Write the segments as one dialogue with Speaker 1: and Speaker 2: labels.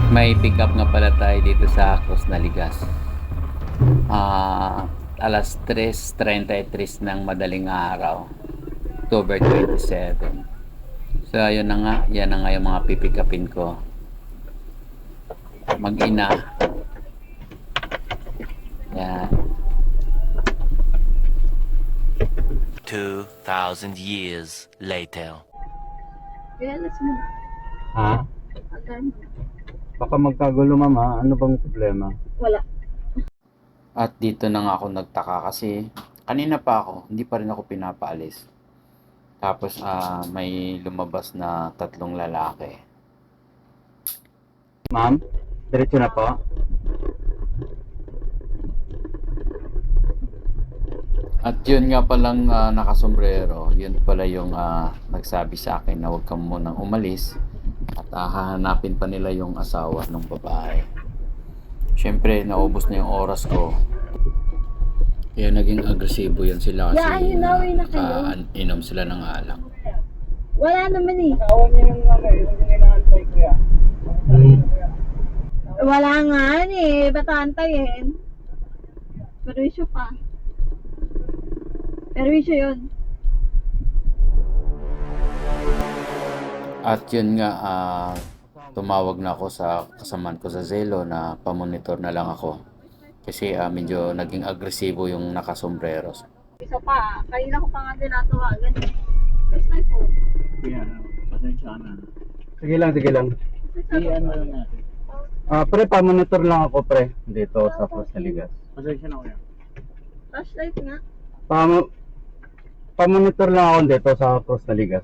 Speaker 1: May pick up nga pala tayo dito sa Cruz Naligas. Alas 3:33 ng madaling araw, October 27. So ayun na nga, yan na nga yung mga pipick upin ko. Mag-ina. Yan.
Speaker 2: 2,000 years later.
Speaker 3: Alas mo.
Speaker 4: Ha?
Speaker 3: Agan.
Speaker 4: Baka magkagulo, mama. Ano bang problema?
Speaker 3: Wala.
Speaker 1: At dito na nga ako nagtaka kasi kanina pa ako, hindi pa rin ako pinapaalis. Tapos may lumabas na 3 lalaki.
Speaker 4: Ma'am, diretso na po.
Speaker 1: At yun nga palang nakasombrero, yun pala yung nagsabi sa akin na huwag kang munang umalis at hahanapin pa nila yung asawa ng babae. Siyempre, naubos na yung oras ko. Kaya naging agresibo yan sila kasi
Speaker 3: Hinawin na kayo.
Speaker 1: inom sila ng alak.
Speaker 3: Wala naman eh. Wala nga eh. Ba't aantayin? Perwisyo pa. Perwisyo yun.
Speaker 1: At yun nga, tumawag na ako sa kasamaan ko sa Zelo na pamonitor na lang ako. Kasi medyo naging agresibo yung nakasombrero.
Speaker 3: Isa pa. Kanina ko pa nga tinatawagan eh. First time po.
Speaker 4: Kuya, pasensya na. Sige lang, sige lang.
Speaker 3: Ano
Speaker 4: lang natin. Pre, pamonitor lang ako, pre. Dito sa Cruz Naligas. Pasensya na, kuya.
Speaker 3: Flashlight nga.
Speaker 4: Pamonitor lang ako dito sa Cruz Naligas.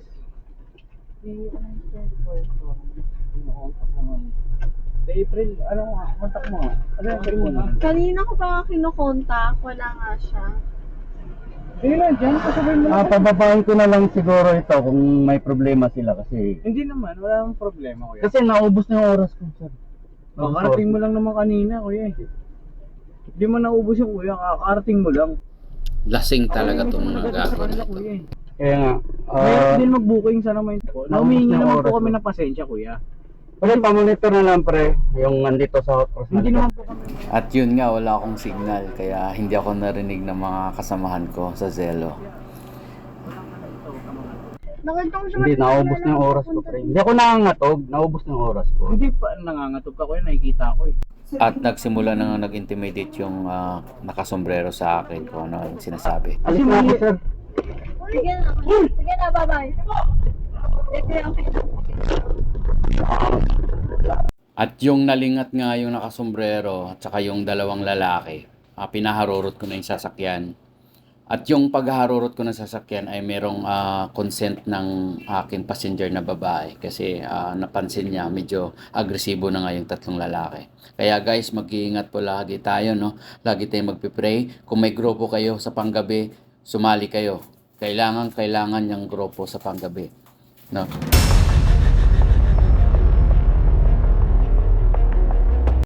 Speaker 4: April, ano nga, kontak mo nga. Ano yung April mo na?
Speaker 3: Kanina ko pa nga kinokontak. Wala nga siya.
Speaker 4: Sige lang, dyan, pasabihin mo lang. Pababain ko na lang siguro ito kung may problema sila kasi...
Speaker 5: Hindi naman, wala namang problema, kuya.
Speaker 4: Kasi naubos na yung oras ko, sir.
Speaker 5: Kakarating mo lang naman kanina, kuya. Hindi mo naubos yung kuya, kakarating mo lang.
Speaker 1: Lasing talaga itong mga gago na ito.
Speaker 5: Kuya.
Speaker 4: Kaya nga,
Speaker 5: Kaya din mag-booking sana may po. Naumingi
Speaker 4: na
Speaker 5: naman
Speaker 4: oras
Speaker 5: po kami
Speaker 4: mo.
Speaker 5: ng pasensya, kuya.
Speaker 4: pre, pamonitor na lang, pre, yung nandito sa Cruz
Speaker 5: Hindi
Speaker 4: Naligas.
Speaker 5: naman po kami.
Speaker 1: At yun nga, wala akong signal kaya hindi ako narinig ng mga kasamahan ko sa Zelo.
Speaker 3: Nakita ko siya.
Speaker 4: Hindi, naubos na yung oras ko, pre. Hindi ako nangangatog, naubos na yung oras ko.
Speaker 5: Hindi pa nangangatog ka, kuya. Nakikita ko eh.
Speaker 1: At nagsimula na nga nag-intimidate yung nakasombrero sa akin kung ano yung sinasabi.
Speaker 4: Alis na ako, sir.
Speaker 3: Sige na. Sige na, bye-bye. Okay.
Speaker 1: At yung nalingat nga yung nakasombrero at saka yung 2 lalaki, pinaharurot ko na yung sasakyan. At yung pagharurot ko ng sasakyan ay merong consent ng aking passenger na babae kasi napansin niya medyo agresibo na nga yung 3 lalaki. Kaya guys, mag-iingat po lagi tayo, no? Lagi tayong magpipray. Kung may grupo kayo sa panggabi, sumali kayo. Kailangan yung grupo sa panggabi, no?